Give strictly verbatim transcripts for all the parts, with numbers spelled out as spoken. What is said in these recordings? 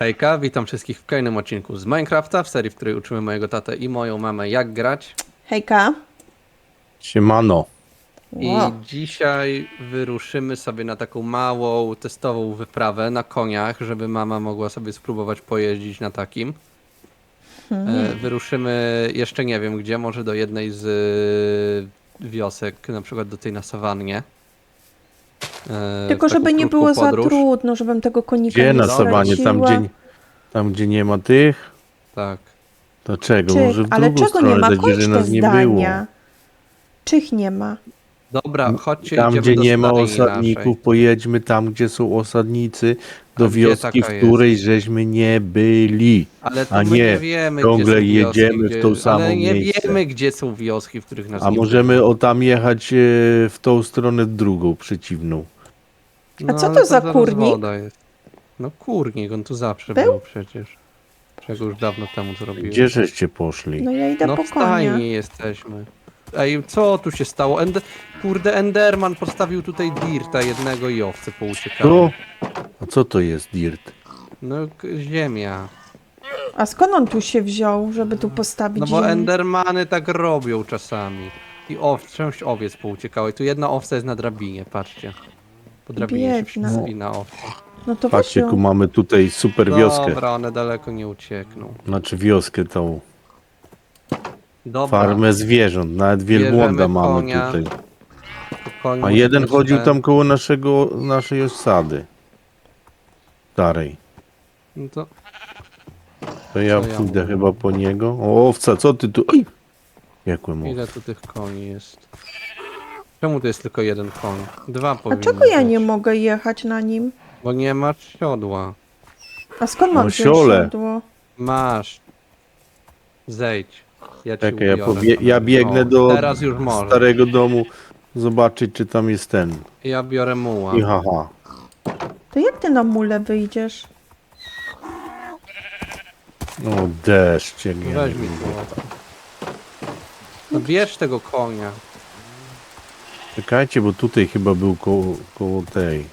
Hejka, witam wszystkich w kolejnym odcinku z Minecrafta, w serii, w której uczymy mojego tatę i moją mamę jak grać. Hejka. Siemano. I Wow. dzisiaj wyruszymy sobie na taką małą, testową wyprawę na koniach, żeby mama mogła sobie spróbować pojeździć na takim. E, wyruszymy jeszcze nie wiem gdzie, może do jednej z y, wiosek, na przykład do tej na sawannie. E, Tylko w taką żeby nie krótką było za podróż. trudno, żebym tego konika Gdzie nie na sawanie? Tam straciła. gdzie, tam gdzie nie ma tych? Tak. To czego? Czych, Może w ale drugą czego stronę nie ma? dać, Kończ że te nas nie było. zdania. Czych nie ma? Dobra, chodźcie, Tam idziemy gdzie do nie ma stajni osadników, naszej. pojedźmy tam gdzie są osadnicy, do A gdzie wioski, w taka której żeśmy nie byli. Ale to A my nie, nie wiemy, ciągle gdzie są wioski, jedziemy w gdzie... to samo Ale nie miejsce. wiemy, gdzie są wioski, w których nas A nie możemy było. o tam jechać e, w tą stronę drugą, przeciwną. No, A co ale to za zaraz kurnik? woda jest. No kurnik, on tu zawsze Był? był przecież. Czego już dawno temu zrobiłem. Gdzie żeście poszli? No ja idę No po w konia. stajni jesteśmy. Ej, co tu się stało? Ende... Kurde, Enderman postawił tutaj dirta jednego i owce pouciekały. Tu? A co to jest dirt? No k- ziemia. A skąd on tu się wziął, żeby tu postawić No bo ziemię? Endermany tak robią czasami. I ow... część owiec pouciekały. I tu jedna owca jest na drabinie, patrzcie. Po drabinie się Biedna. wspina owca. No to Patrzcie, weź tu ją. mamy tutaj super wioskę. Dobra, one daleko nie uciekną. Znaczy wioskę tą. Dobra, Farmę zwierząt, nawet wielbłąda Bierzemy mamy konia. tutaj. koń A może jeden być chodził ten- tam koło naszego, naszej osady. Starej. No to To ja Co ja pójdę mówię? chyba po niego. O, owca, co ty tu? Oj! Jakłem ile tu tych koni jest? Czemu tu jest tylko jeden koń? Dwa A powinny czego ja być. nie mogę jechać na nim? Bo nie masz siodła. A skąd mam No, wziąć siole. siodło? Masz. Zejdź. Ja ci Czekaj, ja, ubiorę pobie- tam. ja biegnę O, do Teraz już może. starego domu zobaczyć, czy tam jest ten. Ja biorę muła. I haha. To jak ty na mule wyjdziesz? O, deszcz. Jak ja Weź nie mi wiem. muła. No bierz tego konia. Czekajcie, bo tutaj chyba był koło, koło tej.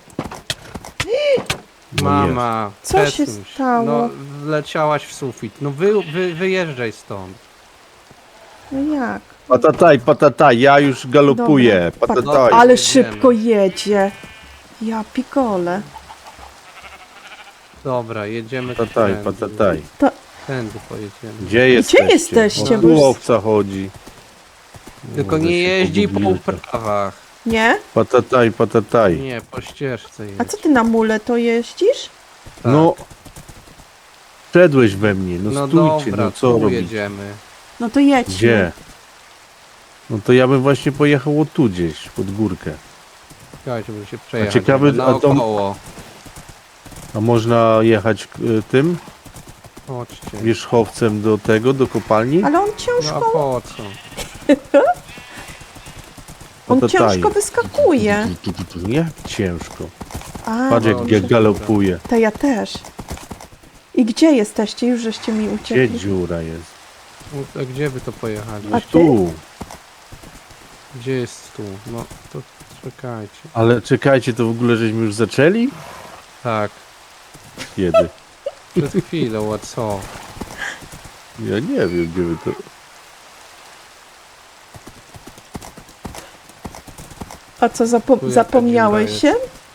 No Mama, Co się przesuń stało? No, wleciałaś w sufit. No wy, wy, wyjeżdżaj stąd. No jak? Patataj, patataj, ja już galopuję. Dobra, pa- Patataj. Ale jedziemy. szybko jedzie. Ja pikole. Dobra, jedziemy Patataj, tędy. patataj. Tędy pojedziemy. Gdzie jesteście? jesteście? O, Bo tu już- owca chodzi. Tylko Może nie się jeździ po pogubiłem. uprawach. Nie? Patataj, patataj. Nie, po ścieżce jedź. A co ty na mule to jeździsz? Tak. No. Wszedłeś we mnie, no, No stójcie, dobra, no co tu robić? jedziemy. No to jedźmy. Gdzie? No to ja bym właśnie pojechał o tu gdzieś, pod górkę. Słuchajcie, żeby się przejechać. ciekawy, żeby a to- naokoło. A można jechać y, tym Chodźcie. wierzchowcem do tego, do kopalni? Ale on No a ciężko, po co? on Patataj. ciężko wyskakuje. Tu, tu, tu, tu. Jak ciężko. A, Patrz no, jak jak dobra. galopuje. to ja też. I gdzie jesteście? Już żeście mi Gdzie uciekli. dziura jest? No, a gdzie wy to pojechali? A No ty? tu. Gdzie jest tu? No to czekajcie. Ale czekajcie, to w ogóle żeśmy już zaczęli? Tak, Kiedy? przed chwilą, a co? Ja nie wiem, gdzie wy to... A co, zapo Tu jaka zapomniałeś dziura się?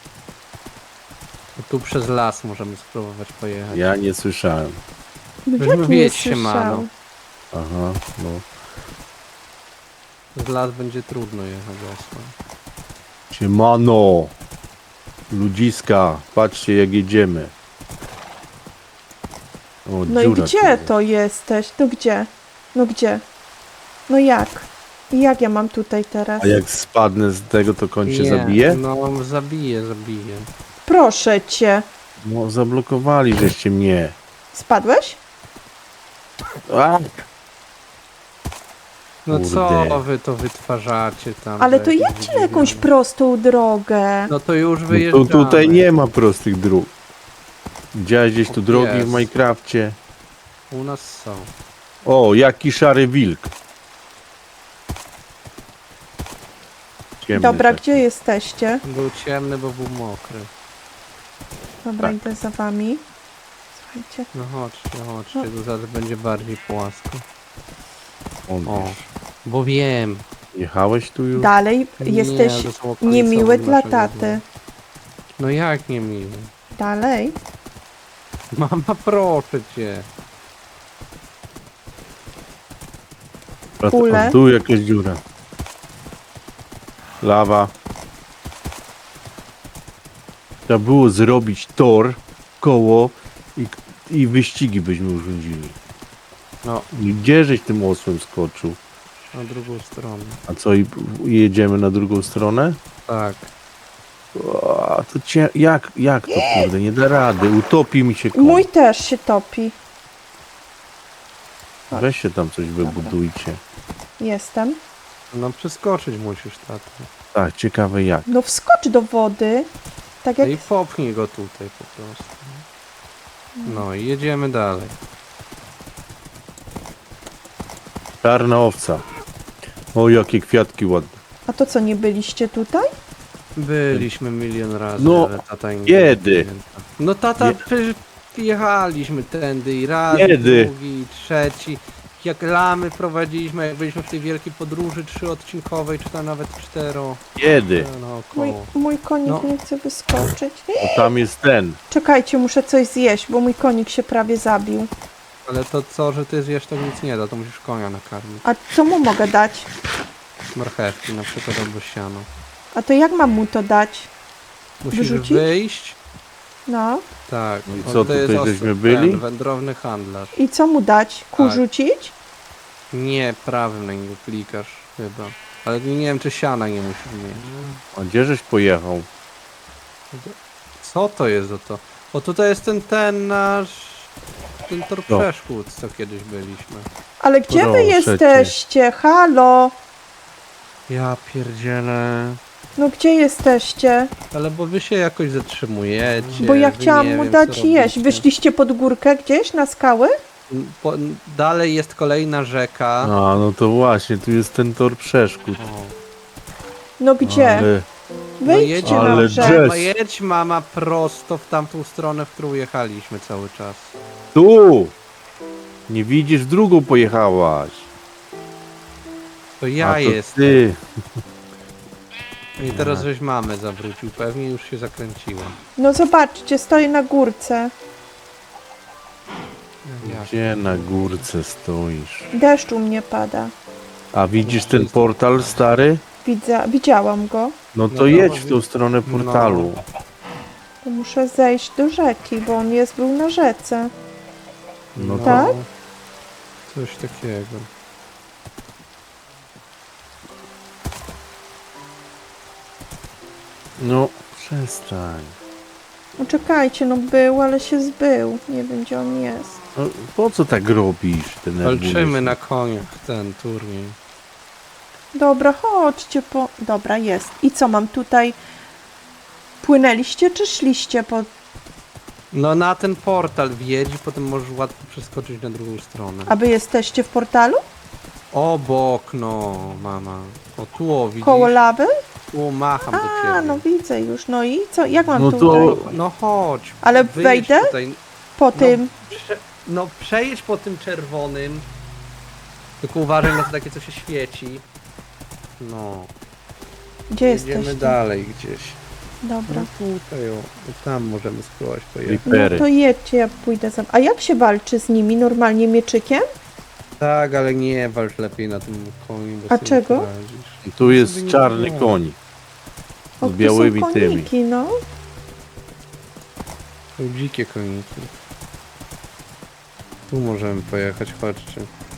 Tu przez las możemy spróbować pojechać. Ja nie słyszałem. No Weźmy jak nie wiedź się, słyszał? mano. Aha, no. Z las będzie trudno jechać osłem. Siemano! Ludziska, patrzcie jak jedziemy. O, No i dziura tu gdzie jest. to jesteś? No gdzie? No gdzie? No jak? I jak ja mam tutaj teraz? A jak spadnę z tego, to koń się Nie, zabije? No zabije, zabije. Proszę cię. No, zablokowali żeście mnie. Spadłeś? A! No Kurde. co wy to wytwarzacie tam? Ale za to jakieś jedźcie na jakąś wydziwione? prostą drogę. No to już No wyjeżdżamy. to tutaj nie ma prostych dróg. Widziałeś gdzieś tu O, drogi jest. w Minecrafcie? U nas są. O, jaki szary wilk. Ciemny Dobra, taki. gdzie jesteście? Był ciemny, bo był mokry. Dobra, Tak. idę za wami. Czekajcie. No chodźcie, chodźcie, tu zaraz będzie bardziej płasko. On O, wiesz. bo wiem. Jechałeś tu już? Dalej Nie, jesteś to są okolice niemiły obok dla naszego taty. domu. No jak nie miły? Dalej. Mama, proszę cię. Wracam. Kule. Tu jakaś dziura. Lawa. Trzeba było zrobić tor, koło i, i wyścigi byśmy urządzili. No, I gdzie żeś tym osłem skoczył? na drugą stronę. A co, i i jedziemy na drugą stronę? Tak. O, to cie... jak, jak to kurde, nie da rady, utopi mi się koń. Mój też się topi. Weź się tam coś wybudujcie. Jestem. No przeskoczyć musisz, tato. Tak, ciekawe jak. No wskocz do wody. Tak No jak... i popchnij go tutaj po prostu. No i jedziemy dalej. Czarna owca. O, jakie kwiatki ładne. A to co, nie byliście tutaj? Byliśmy milion razy, No, ale tata nie kiedy? pamięta. No tata, Nie- przecież jechaliśmy tędy i raz, Kiedy? drugi, i trzeci. Jak lamy prowadziliśmy, jak byliśmy w tej wielkiej podróży trzyodcinkowej, czy tam nawet cztero. Kiedy? No, Mój, około. mój konik No. nie chce wyskoczyć. O, tam jest ten. Czekajcie, muszę coś zjeść, bo mój konik się prawie zabił. Ale to co, że ty zjesz, to nic nie da, to musisz konia nakarmić. A co mu mogę dać? Marchewki na przykład albo siano. A to jak mam mu to dać? Musisz Wyrzucić? wyjść. No. Tak. No i o, co, to jest tutaj os- żeśmy byli? Ten, wędrowny handlarz. I co mu dać? Ku Tak. rzucić? Nie, prawym na niego klikasz chyba. Ale nie wiem, czy siana nie musisz mieć. A gdzie żeś pojechał? Co to jest za to? O, tutaj jest ten, ten nasz... Ten tor Co? przeszkód, co kiedyś byliśmy. Ale gdzie wy Proszę cię. jesteście? Halo? Ja pierdzielę. No gdzie jesteście? Ale bo wy się jakoś zatrzymujecie. Bo ja wy chciałam nie mu wiem, dać co jeść. robicie. Wyszliście pod górkę gdzieś na skały? Po, dalej jest kolejna rzeka. A, no to właśnie, tu jest ten tor przeszkód. O. No gdzie? Ale Wyjdźcie ale na drzew- brzeg. Mama, jedź mama prosto w tamtą stronę, w którą jechaliśmy cały czas. tu! Nie widzisz, w drugą pojechałaś. To ja A to jestem. ty. I teraz żeś mamę zawrócił, pewnie już się zakręciła. No zobaczcie, stoję na górce. Jak? Gdzie na górce stoisz? Deszcz u mnie pada. A widzisz ten portal stary? Widzę, widziałam go. No No to to jedź w wi- tą stronę portalu. To muszę zejść do rzeki, bo on jest był na rzece. No to Tak? Coś takiego. No, przestań. No czekajcie, no był, ale się zbył. Nie wiem, gdzie on jest. No, po co tak robisz? Denerwujesz Walczymy się. na koniach ten turniej. Dobra, chodźcie po... Dobra, jest. I co mam tutaj? Płynęliście czy szliście po... No na ten portal wjedź i potem możesz łatwo przeskoczyć na drugą stronę. A wy jesteście w portalu? Obok, no mama. O tu, o, widzisz? Koło lawy? Tu macham do ciebie. A, no widzę już. No i co? Jak mam No tutaj? to- No chodź. Ale wyjedź wejdę? Tutaj. Po tym... Prze no przejedź po tym czerwonym. Tylko uważaj na to takie, co się świeci. No. Gdzie Jedziemy jesteście? dalej gdzieś. Dobra. No tutaj o. I tam możemy spróbować pojechać. No Ripery. to jedźcie, ja pójdę za... A jak się walczy z nimi? Normalnie mieczykiem? Tak, ale nie walcz lepiej na tym koniu, bo A sobie czego? poradzisz. Tu jest sobie nie czarny pomogę. koń. O, Z tu białymi są tymi. koniki, no. Są dzikie koniki. Tu możemy pojechać, chodźcie.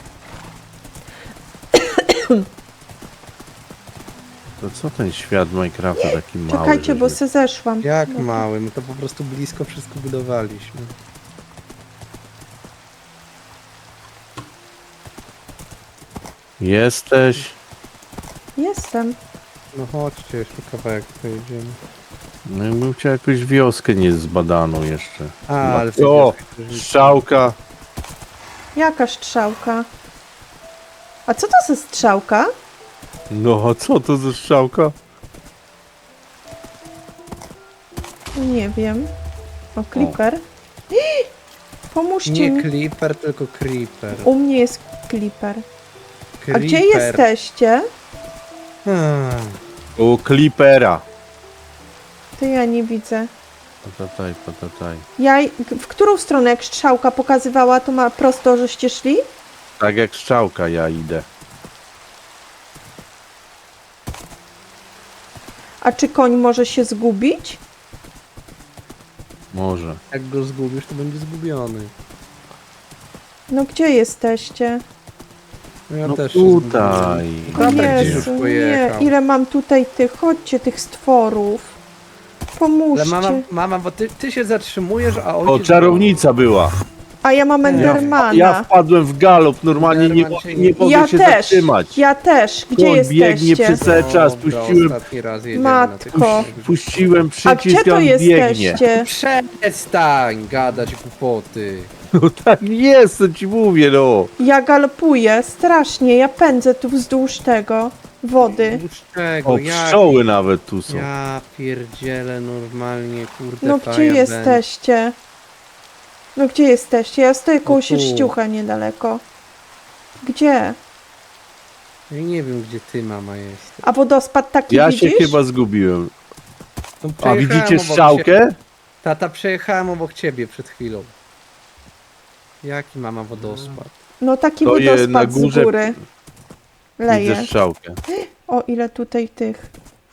To co ten świat Minecrafta taki mały? Czekajcie, bo żeśmy- se zeszłam. Jak Dobra. mały, my to po prostu blisko wszystko budowaliśmy. Jesteś? Jestem. No chodźcie, jeszcze kawałek pojedziemy. No ja bym chciał jakąś wioskę niezbadaną jeszcze. A, No. ale O, przecież- strzałka. Jaka strzałka? A co to za strzałka? No a co to za strzałka? Nie wiem. O, creeper. Pomóżcie Nie mi. Clipper, tylko Creeper. U mnie jest Clipper. A Creeper. gdzie jesteście? Hmm. U Clippera. To ja nie widzę. Patataj, patataj. Ja, w którą stronę jak strzałka pokazywała, to ma prosto, żeście szli? Tak jak strzałka ja idę. A czy koń może się zgubić? Może. Jak go zgubisz, to będzie zgubiony. No gdzie jesteście? No ja No też się tutaj. zgubiłem. Dobra, gdzieś już Jezu, nie, pojechał. ile mam tutaj tych, chodźcie, tych stworów. Pomóżcie. Ale mama, mama, bo ty, ty się zatrzymujesz, a O, ojciec... czarownica była. A ja mam Ja- Endermana. Ja wpadłem w galop, normalnie nie, Enderman się nie nie- mogę Ja się też, zatrzymać. ja też. Gdzie Koń biegnie jesteście? przez cały czas. Dobra, Puściłem, ostatni raz jedziemy na tych Matko. krzyżach. puściłem A gdzie przycisk, to on biegnie. jesteście? Przestań gadać głupoty. No tak jest, co ci mówię, no. Ja galopuję, strasznie, ja pędzę tu wzdłuż tego wody. Wzdłuż czego? O, Jak- pszczoły nawet tu są. Ja pierdzielę normalnie, kurde. No to gdzie ja jesteście? No gdzie jesteście? Ja stoję koło No tu. sierściucha niedaleko. Gdzie? będę. Ja nie wiem, gdzie ty, mama, jest. A wodospad taki Ja widzisz? się chyba zgubiłem. No, A przejechałem widzicie obok strzałkę? ciebie. Tata, przejechałem obok ciebie przed chwilą. Jaki mama wodospad? No taki To je wodospad na górze- z góry. Leje. Widzę strzałkę. O, ile tutaj tych.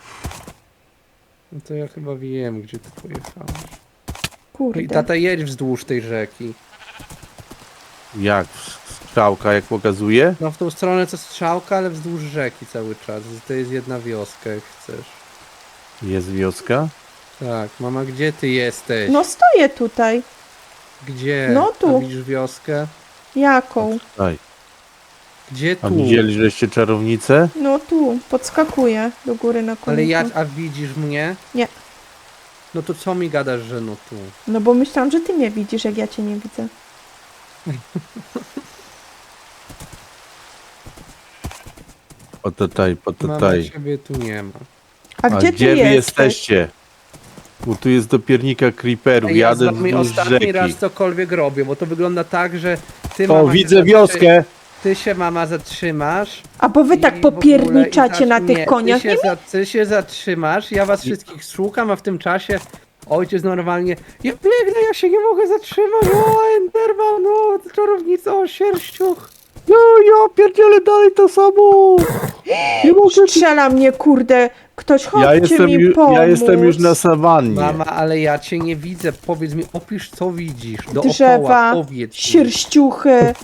No to ja chyba wiem, gdzie ty pojechałeś. No Kurde. i tata, jedź wzdłuż tej rzeki. Jak? Strzałka jak pokazuje? No w tą stronę co strzałka, ale wzdłuż rzeki cały czas. To jest jedna wioska, jak chcesz. Jest wioska? Tak, mama, gdzie ty jesteś? No stoję tutaj. Gdzie? no tu. A widzisz wioskę? Jaką? Daj. Gdzie A tu? widzieli, żeście czarownicę? No tu. Podskakuję do góry na koniec. Ale ja, a widzisz mnie? Nie. No to co mi gadasz, że no tu? No bo myślałam, że ty mnie widzisz, jak ja cię nie widzę. Patataj, Mama, patataj. ciebie tu nie ma. A A gdzie, gdzie ty wy jesteś? jesteście? Bo tu jest do piernika creeperów, Ej, ja z jadę wami wzdłuż ostatni rzeki. raz cokolwiek robię, bo to wygląda tak, że ty O, mama, widzę się wioskę! Ty się mama zatrzymasz. A bo wy i tak w ogóle- popierniczacie i na zacz- tych nie, koniach. Ty Nie się, za, ty się zatrzymasz, ja was wszystkich szukam, a w tym czasie ojciec normalnie. Ja biegnę, ja się nie mogę zatrzymać. O, Enderman, no, czarownica, o, sierściuch. No ja pierdzielę dalej to samo! Nie mogę... strzela mnie, kurde. Ktoś chodźcie Ja jestem, mi ju, pomóc. ja jestem już na sawannie. Mama, ale ja cię nie widzę. Powiedz mi, opisz co widzisz. Dookoła, Drzewa, powiedz mi. sierściuchy.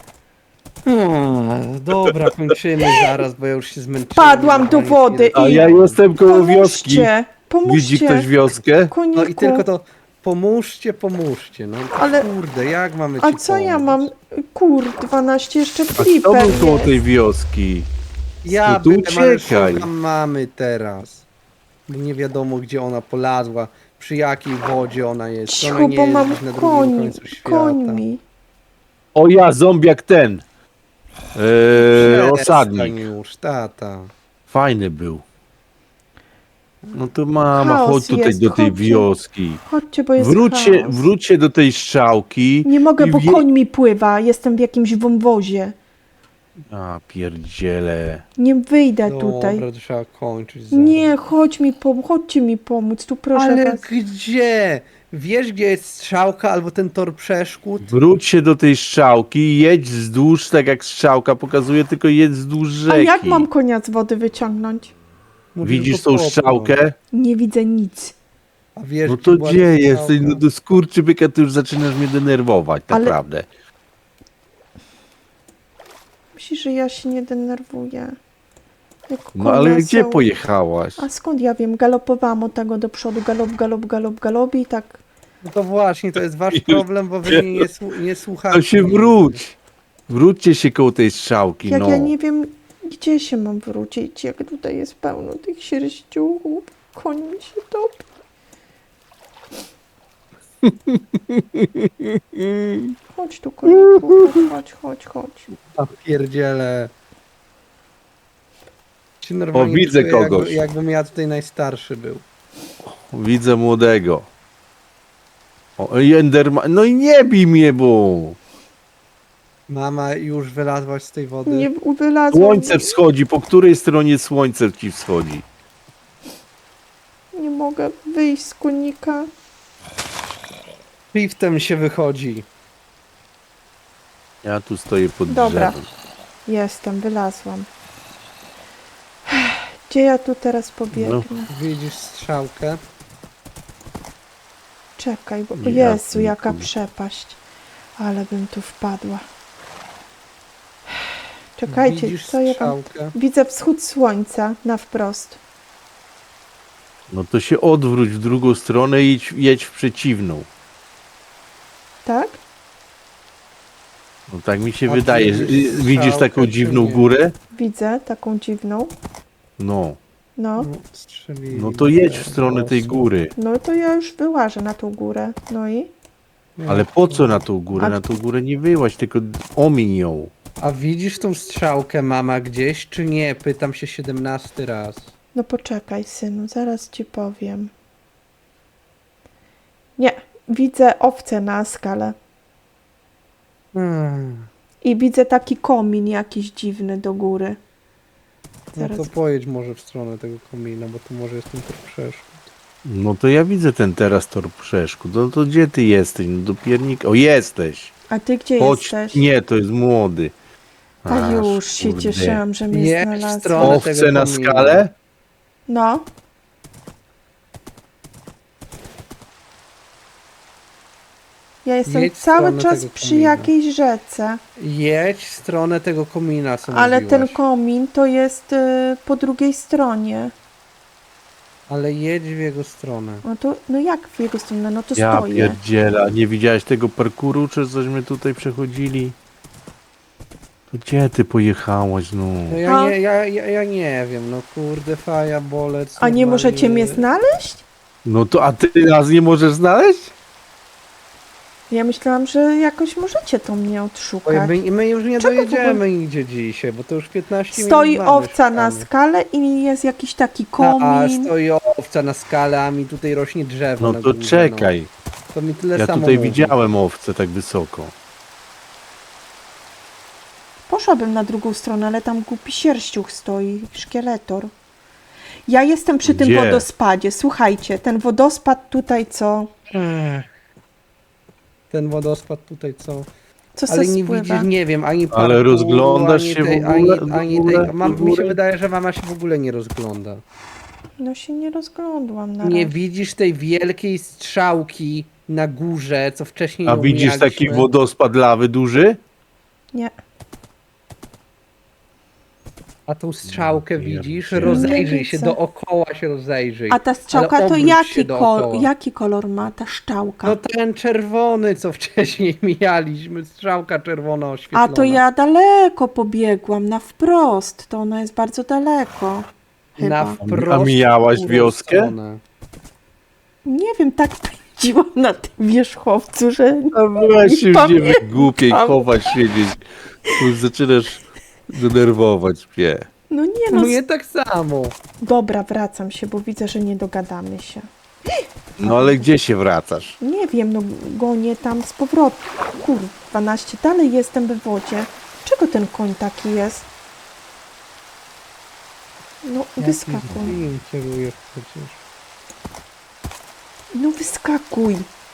Hmm, dobra, kończymy zaraz, bo ja już się zmęczyłem. Padłam do Normalnie wody nie- A i- ja jestem koło wioski. Pomóżcie, pomóżcie. Widzi ktoś wioskę? Koniku. No i tylko to pomóżcie, pomóżcie. No Ale- kurde, jak mamy ci A co ja pomóc? mam? Kur, dwanaście jeszcze A kto flipper był koło jest. tej wioski? Ja No to byłem, ale uciekaj. szukam mamy teraz. Bo nie wiadomo gdzie ona polazła, przy jakiej wodzie ona jest. Czy ona Cicho, nie bo jest mam gdzieś na drugim koń, końcu świata. końmi. O ja, zombiak ten. Eee, Przestań osadnik. już, tata. Fajny był. No to mama, Chaos chodź tutaj jest, do tej chodźcie. wioski. Chodźcie, bo jest Wróćcie, chaos. wróćcie do tej strzałki. Nie mogę, i bo wie- koń mi pływa. Jestem w jakimś wąwozie. A pierdziele. Nie wyjdę tutaj. Dobra, to trzeba kończyć zaraz. Nie, chodź mi pom- chodźcie mi pomóc, tu proszę Ale was. gdzie? Wiesz gdzie jest strzałka albo ten tor przeszkód? Wróćcie do tej strzałki, jedź wzdłuż, tak jak strzałka pokazuje, tylko jedź wzdłuż A rzeki. jak mam konia z wody wyciągnąć? Mówię, Widzisz tylko tą popłynąć. strzałkę? Nie widzę nic. A wiesz, No gdzie to była gdzie ta jesteś? strzałka? No to skurczybyka, ty już zaczynasz mnie denerwować, Ale- naprawdę. Myślisz, że ja się nie denerwuję? Jak No ale konia gdzie są- pojechałaś? A skąd ja wiem? Galopowałam od tego do przodu, galop, galop, galop, galop i tak. No to właśnie, to jest wasz problem, bo wy mnie nie, słu- nie słuchacie. To się wróć. Wróćcie się koło tej strzałki, Jak no. ja nie wiem, gdzie się mam wrócić, jak tutaj jest pełno tych sierściuchów. Koń mi się topi. Chodź tu, koniku, chodź, chodź, chodź, chodź. A pierdziele. Się normalnie O, widzę czuję, kogoś. Jakby, jakbym ja tutaj najstarszy był. Widzę młodego. O, Enderman, no i nie bij mnie, bo Mama, już wylazłaś z tej wody? Nie wylazłam. słońce wschodzi. Po której stronie słońce ci wschodzi? Nie mogę wyjść z konika. Liftem się wychodzi. Ja tu stoję pod Dobra. drzewem. Jestem, wylazłam. Gdzie ja tu teraz pobiegnę? Widzisz strzałkę? Czekaj, bo o Ja Jezu, jaka tu- przepaść. Ale bym tu wpadła. Czekajcie, Widzisz co ja tam... strzałkę? Widzę wschód słońca na wprost. No to się odwróć w drugą stronę i jedź, jedź w przeciwną. Tak? No tak mi się A wydaje. widzisz Y, Widzisz taką strzałkę, czy dziwną nie? górę? Widzę taką dziwną. No. No. No, strzelili No to jedź w te stronę tej osły. góry. No to ja już wyłażę na tą górę. No i? Nie. Ale po co na tą górę? A- Na tą górę nie wyłaź, tylko omiń ją. A widzisz tą strzałkę, mama, gdzieś, czy nie? Pytam się siedemnasty raz. No poczekaj, synu, zaraz ci powiem. Nie, widzę owce na skale. Hmm. I widzę taki komin jakiś dziwny do góry. No Zaraz. to pojedź może w stronę tego komina, bo tu może jestem trochę przeszkód. No to ja widzę ten teraz tor przeszkód. No to gdzie ty jesteś? No do piernika. O, jesteś! A ty gdzie Chodź. jesteś? Nie, to jest młody. A Aż, już się kurde. cieszyłam, że mnie Jedź w znalazła. stronę Owce tego na komina. skale? No. Ja jestem Jedź w cały stronę czas tego przy komina. jakiejś rzece, Jedź w stronę tego komina, co ale ten mówiłaś. komin to jest y, po drugiej stronie. Ale jedź w jego stronę. No to, no jak w jego stronę? No to Ja stoję. pierdziela. Nie widziałeś tego parkuru, czy cośmy tutaj przechodzili? To gdzie ty pojechałaś, no? No ja A? nie, ja, ja, ja nie wiem, no kurde, faja, bolec. A nie normalnie- możecie mnie znaleźć? No to, a ty nas nie możesz znaleźć? Ja myślałam, że jakoś możecie to mnie Oj, odszukać. My, my już nie Czego w dojedziemy ogóle? nigdzie dzisiaj, bo to już piętnaście Stoi minut mamy owca na szukamy. skale i jest jakiś taki A, komin. stoi owca na skale, a mi tutaj rośnie drzewo No na to górze, czekaj. No. To mi tyle Ja samo tutaj mówi. widziałem owce tak wysoko. Poszłabym na drugą stronę, ale tam głupi sierściuch stoi, szkieletor. Ja jestem przy tym Gdzie? wodospadzie. Słuchajcie, ten wodospad tutaj co? Ech. Ten wodospad tutaj co? Co Ale se nie spływa? widzisz, nie wiem, ani Ale parkuru, rozglądasz ani się w tej, ogóle? Ani, W ani ogóle? tej, mam, W mi się ogóle? wydaje, że mama się w ogóle nie rozgląda. No się nie rozglądłam na Nie razie. widzisz tej wielkiej strzałki na górze, co wcześniej A ją widzisz taki mijaliśmy? wodospad lawy duży? Nie. A tą strzałkę Ja widzisz? wiem. Rozejrzyj Nie się, widzę. dookoła się rozejrzyj. A ta strzałka Ale to obróć się jaki, kol, dookoła. jaki kolor ma ta szczałka? No ten czerwony, co wcześniej mijaliśmy, strzałka czerwona oświetlona. A to ja daleko pobiegłam, na wprost. To ona jest bardzo daleko. Chyba. Na wprost A mijałaś w górę wioskę? stronę. Nie wiem, tak pędziłam na tym wierzchowcu, że A weź już nie pamiętam. głupiej chować siedzieć. Już zaczynasz denerwować mnie. No nie no. Mnie tak samo. Dobra, wracam się, bo widzę, że nie dogadamy się. No ale gdzie się wracasz? Nie wiem, no gonię tam z powrotem. Kur, dwanaście, dalej jestem we wodzie. Czego ten koń taki jest? No wyskakuj. Jakim kierujesz przecież? No wyskakuj.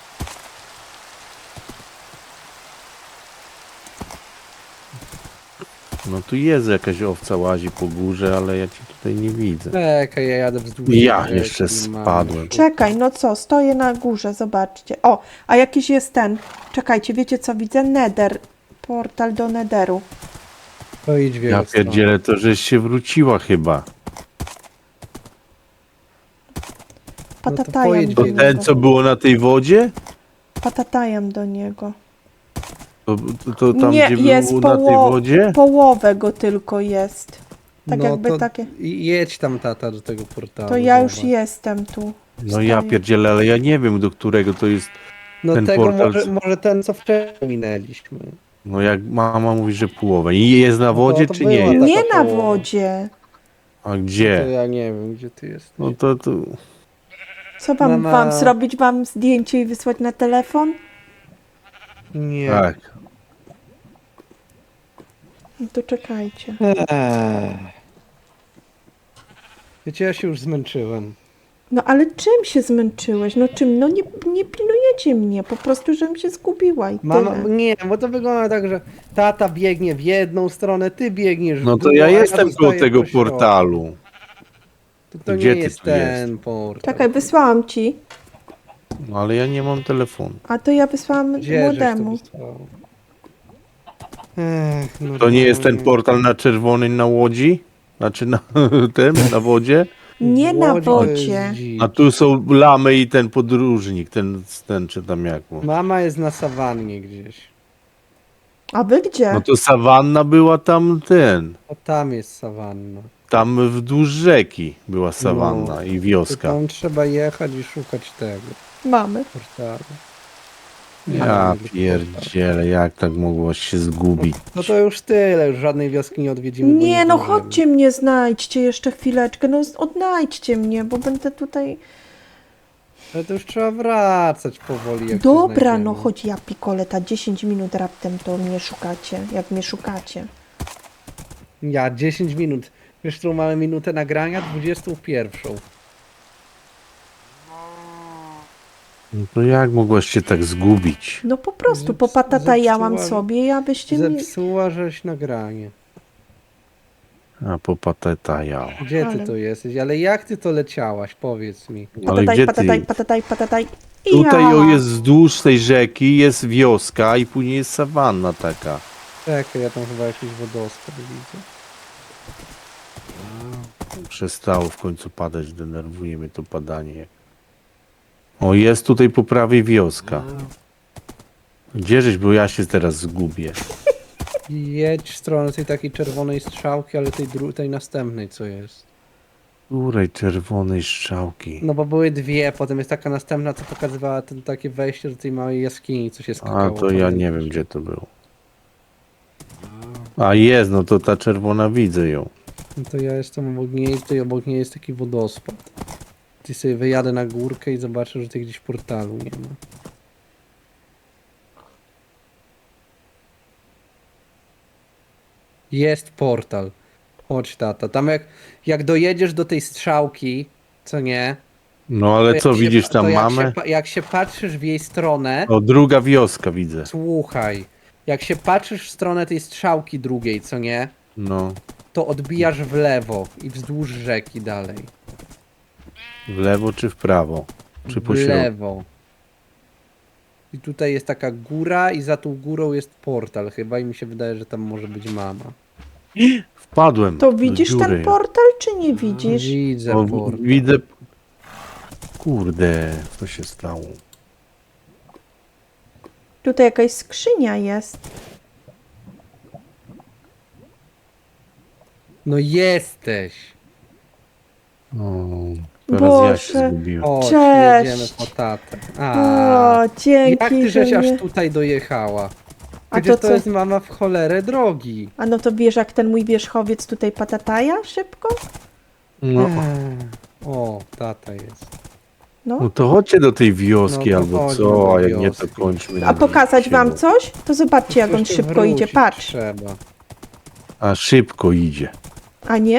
No tu jest jakaś owca łazi po górze, ale ja cię tutaj nie widzę. Czekaj, ja jadę wzdłuż Ja rzeki, jeszcze mam- spadłem. Czekaj, no co, stoję na górze, zobaczcie. O, a jakiś jest ten. Czekajcie, wiecie co widzę? Nether. Portal do Netheru. To idź w jego Ja stronę. pierdzielę, to żeś się wróciła chyba. Patatajam pojedź do To w niego. ten, co było na tej wodzie? Patatajam do niego. To, to tam, Nie, gdzie jest był na tej poło- wodzie? Połowę go tylko jest. Tak No jakby to takie. i- jedź tam, tata, do tego portalu. To ja już zobacz. jestem tu. No ja Stoję. pierdzielę, ale ja nie wiem, do którego to jest. No ten tego portal- może, może ten, co wcześniej minęliśmy. No jak mama mówi, że połowę. I jest na No wodzie, to czy nie była jest? Nie taka na połowa. wodzie. A To gdzie? ja nie wiem, gdzie ty jesteś. No to, to... Co wam, Mama- wam zrobić? Wam zdjęcie i wysłać na telefon? Nie. Tak. No to czekajcie. Eee. Wiecie, ja się już zmęczyłem. No ale czym się zmęczyłeś? No czym? No nie, nie pilnujecie mnie, po prostu, żebym się zgubiła i Mama, tyle. nie, bo to wygląda tak, że tata biegnie w jedną stronę, ty biegniesz w No to drugą, ja a jestem koło zostaję tego po środku. portalu. To, to Gdzie nie ty jest tu ten portal. Czekaj, wysłałam ci, No ale ja nie mam telefonu. a to ja wysłałam Gdzie żeś to młodemu. wysłał? Ech, no To nie jest ten nie. portal na czerwony na łodzi? Znaczy na tym, na wodzie? Nie na Łodzi to jest wodzie. dzicz. A tu są lamy i ten podróżnik, ten, ten czy tam jak mu. Mama jest na sawannie gdzieś. A wy gdzie? No to sawanna była tam ten. O, tam jest sawanna. Tam wzdłuż rzeki była sawanna No. i To wioska. tam trzeba jechać i szukać tego Mamy. portalu. Ja Nie, pierdzielę, jak tak mogło się zgubić? No to już tyle, już żadnej wioski nie odwiedzimy. bo Nie, no zdążymy. chodźcie mnie, znajdźcie jeszcze chwileczkę, no z- odnajdźcie mnie, bo będę tutaj... Ale to już trzeba wracać powoli. Jak się Dobra, znajdziemy. no chodź ja pikoleta, dziesięć minut raptem to mnie szukacie, jak mnie szukacie. Ja dziesięć minut. Wiesz, którą mamy minutę nagrania? dwudziestą pierwszą. No to jak mogłaś się tak zgubić? No po prostu, Zeps- popatatajałam zepsuła- sobie, abyście mnie... Zepsuła żeś nagranie. A popateta ja. Gdzie ty Ale- to jesteś? Ale jak ty to leciałaś? Powiedz mi. Ale Patataj, gdzie patataj, ty? patataj, patataj. I Tutaj ja. o, jest wzdłuż tej rzeki, jest wioska i później jest sawanna taka. Czekaj, ja tam chyba jakiś wodospad widzę. Przestało w końcu padać, denerwuje mnie to padanie. O, jest tutaj po prawej wioska. Gdzieżeś, bo ja się teraz zgubię. Jedź w stronę tej takiej czerwonej strzałki, ale tej, dru- tej następnej co jest. Której czerwonej strzałki. No bo były dwie, potem jest taka następna, co pokazywała ten, takie wejście do tej małej jaskini, co się A skakało. to ja nie wiem, gdzie to było. A jest, no to ta czerwona, widzę ją. No to ja jestem obok niej, tutaj obok niej jest taki wodospad. Ty sobie wyjadę na górkę i zobaczę, że tej gdzieś portalu nie ma. Jest portal. Chodź tata. Tam jak, jak dojedziesz do tej strzałki, co nie? No ale to co, jak się widzisz pa- tam to jak mamę? się pa- Jak się patrzysz w jej stronę, O, druga wioska widzę. słuchaj. Jak się patrzysz w stronę tej strzałki drugiej, co nie? No, To odbijasz w lewo i wzdłuż rzeki dalej. w lewo czy w prawo? Czy po W środku? lewo. I tutaj jest taka góra i za tą górą jest portal chyba i mi się wydaje, że tam może być mama. Wpadłem. To do widzisz dziury. ten portal, czy nie widzisz? Widzę O, portal. widzę. Kurde, co się stało? Tutaj jakaś skrzynia jest. No jesteś. O, teraz ja się Boże. zgubiłem. O, Cześć. jedziemy po tatę. A, O, jak dzięki, ty że żeś mnie... aż tutaj dojechała? A Przecież to to co? jest mama w cholerę drogi. A no to wiesz, jak ten mój wierzchowiec tutaj patataja szybko? No, Eee, O, tata jest. No. no to chodźcie do tej wioski No to albo chodźmy co, do a jak nie to wioski. kończmy. A na pokazać wam siebie. coś? To zobaczcie, jak on Jeszcze szybko wrócić idzie. Patrz. Trzeba. A szybko idzie. A nie?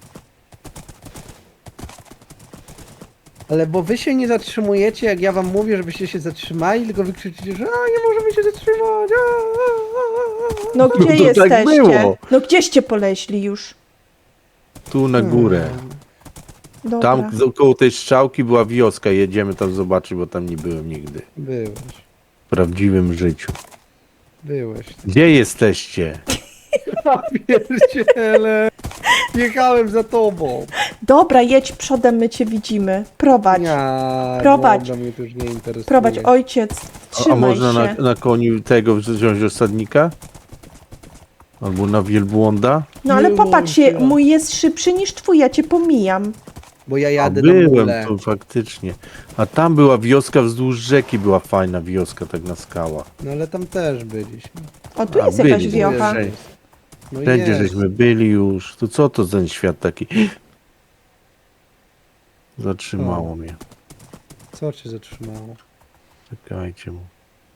Ale bo wy się nie zatrzymujecie, jak ja wam mówię, żebyście się zatrzymali, tylko wy krzyczycie, że a, nie możemy się zatrzymać. A, a, a, a. No gdzie to tak jesteście? było. No gdzieście poleśli już? Tu na górę. Dobra. Tam z- koło tej strzałki była wioska, jedziemy tam zobaczyć, bo tam nie byłem nigdy. Byłeś, W prawdziwym życiu. byłeś. Gdzie jesteście? Ja pierdziele. Jechałem za tobą. Dobra, jedź przodem, my cię widzimy. Prowadź. Ja, Prowadź. dobra, mnie to już nie interesuje. Prowadź, ojciec. A, a Trzymaj można się. na, na koniu tego wziąć osadnika? Albo na wielbłąda? No ale Nie popatrz się, można. mój jest szybszy niż twój, ja cię pomijam. Bo ja A jadę na byłem mule. tu faktycznie. A tam była wioska wzdłuż rzeki, była fajna wioska, tak na skałach. No ale tam też byliśmy. O, tu A, jest jakaś byli, wiocha. byli. No Wszędzie jest. żeśmy byli już. To co to za ten świat taki? Zatrzymało mnie. Co cię zatrzymało? Czekajcie mu.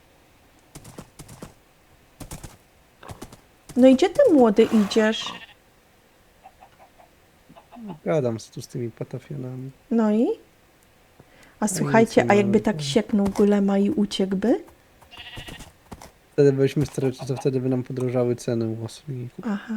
No i gdzie ty młody idziesz? Gadam z tu z tymi patafionami. No i? A słuchajcie, nic a nie jakby ma. tak sieknął golema i uciekłby? Wtedy byliśmy starać, to wtedy by nam podrożały ceny u osobników. Aha.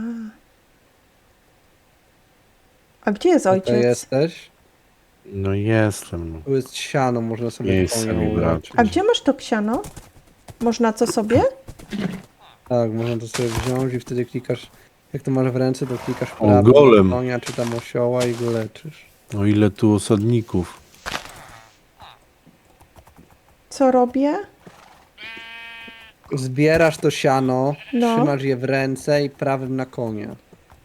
A gdzie jest Tutaj ojciec? jesteś? No jestem. No. Tu jest siano, można sobie Miejsce konia mi brak. uleczyć. A gdzie masz to ksiano? Można co sobie? Tak, można to sobie wziąć i wtedy klikasz, jak to masz w ręce, to klikasz w O, prawo golem. na konia czy tam osioła i go leczysz. O ile tu osadników. Co robię? Zbierasz to siano, No. trzymasz je w ręce i prawym na konia.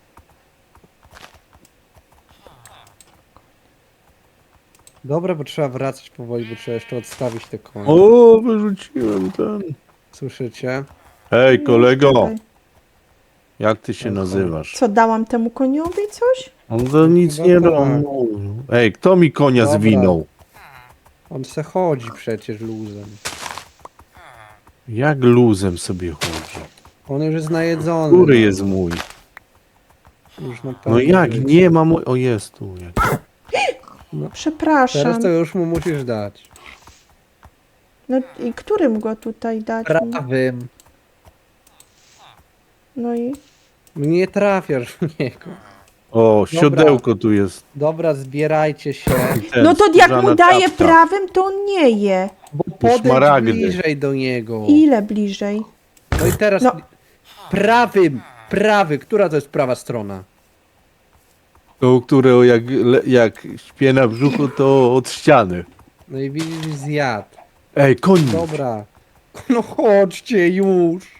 Dobra, bo trzeba wracać powoli, bo trzeba jeszcze odstawić te konie. O, wyrzuciłem ten. Słyszycie? Hej, kolego, Czekaj. jak ty się Okej. nazywasz? Co, dałam temu koniowi coś? On to nic Chyba nie tak. robił. Ej, kto mi konia Dobra. zwinął? On se chodzi przecież luzem. Jak luzem sobie chodzi? On już jest najedzony. Który no. jest mój? Już na No pewno jak? jest. Nie ma mój... O, jest tu. Jak... Przepraszam. Teraz to już mu musisz dać. No i którym go tutaj dać? Prawym. No i? Nie trafiasz w niego. O, siodełko tu jest. Dobra, zbierajcie się. Ten, No to jak skórzana mu daję czapka. prawym, to on nie je. Bo podejdź szmaragdy. bliżej do niego. Ile bliżej? No i teraz No. prawym, prawy, która to jest prawa strona? To, które jak, le- jak śpię na brzuchu, to od ściany. No i widzisz, zjadł. Ej, koń! Dobra. No chodźcie już.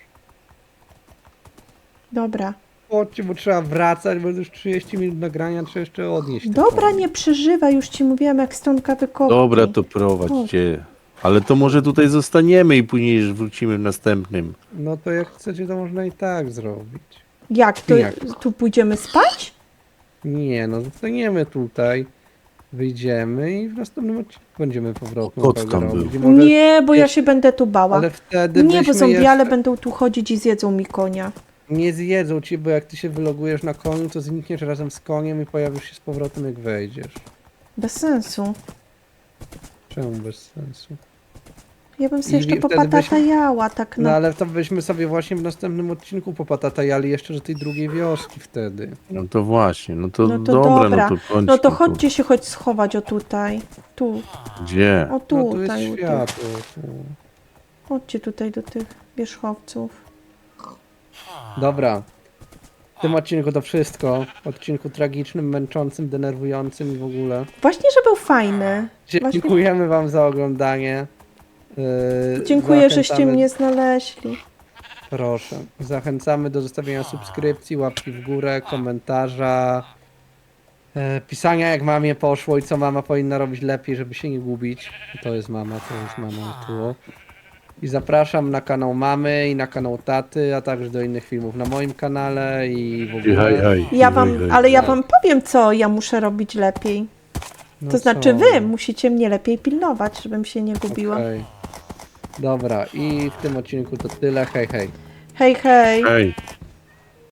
Dobra. Chodźcie, bo trzeba wracać, bo już trzydzieści minut nagrania, trzeba jeszcze odnieść. te Dobra, konie. nie przeżywaj, już ci mówiłam jak stonka wykopki. Dobra, to prowadźcie. Ale to może tutaj zostaniemy i później wrócimy w następnym. No to jak chcecie, to można i tak zrobić. Jak? To Jak? tu pójdziemy spać? Nie, no zostaniemy tutaj. Wyjdziemy i w następnym odcinku będziemy powrotną Kot drogę tam robić. był. I może- Nie, bo ja jeszcze- się będę tu bała. Ale wtedy Nie, bo byśmy zombiale jeszcze... będą tu chodzić i zjedzą mi konia. Nie zjedzą ci, bo jak ty się wylogujesz na koniu, to znikniesz razem z koniem i pojawisz się z powrotem, jak wejdziesz. Bez sensu. Czemu bez sensu? Ja bym I sobie jeszcze wtedy popatatajała, tak No na... ale to byśmy sobie właśnie w następnym odcinku popatatajali jeszcze do tej drugiej wioski wtedy. No to właśnie, no to, No to dobra, dobra. no to kończmy No to tu. chodźcie się choć schować o tutaj. Tu, Gdzie? o No tu jest tutaj. o tu. światło. Tu. Chodźcie tutaj do tych wierzchowców. Dobra. W tym odcinku to wszystko. Odcinku tragicznym, męczącym, denerwującym i w ogóle. Właśnie, że był fajny. Właśnie- Dziękujemy wam za oglądanie. Yy, Dziękuję, żeście zachęcamy- mnie znaleźli. Proszę. Zachęcamy do zostawienia subskrypcji, łapki w górę, komentarza, e, pisania jak mamie poszło i co mama powinna robić lepiej, żeby się nie gubić. To jest mama, to jest mama tu. I zapraszam na kanał mamy i na kanał taty, a także do innych filmów na moim kanale i w ogóle. Hej, hej. Ja hej, wam, hej. ale ja wam powiem, co ja muszę robić lepiej. No To znaczy co? wy musicie mnie lepiej pilnować, żebym się nie gubiła. Okej. Dobra, i w tym odcinku to tyle. Hej, hej. Hej, hej. Hej.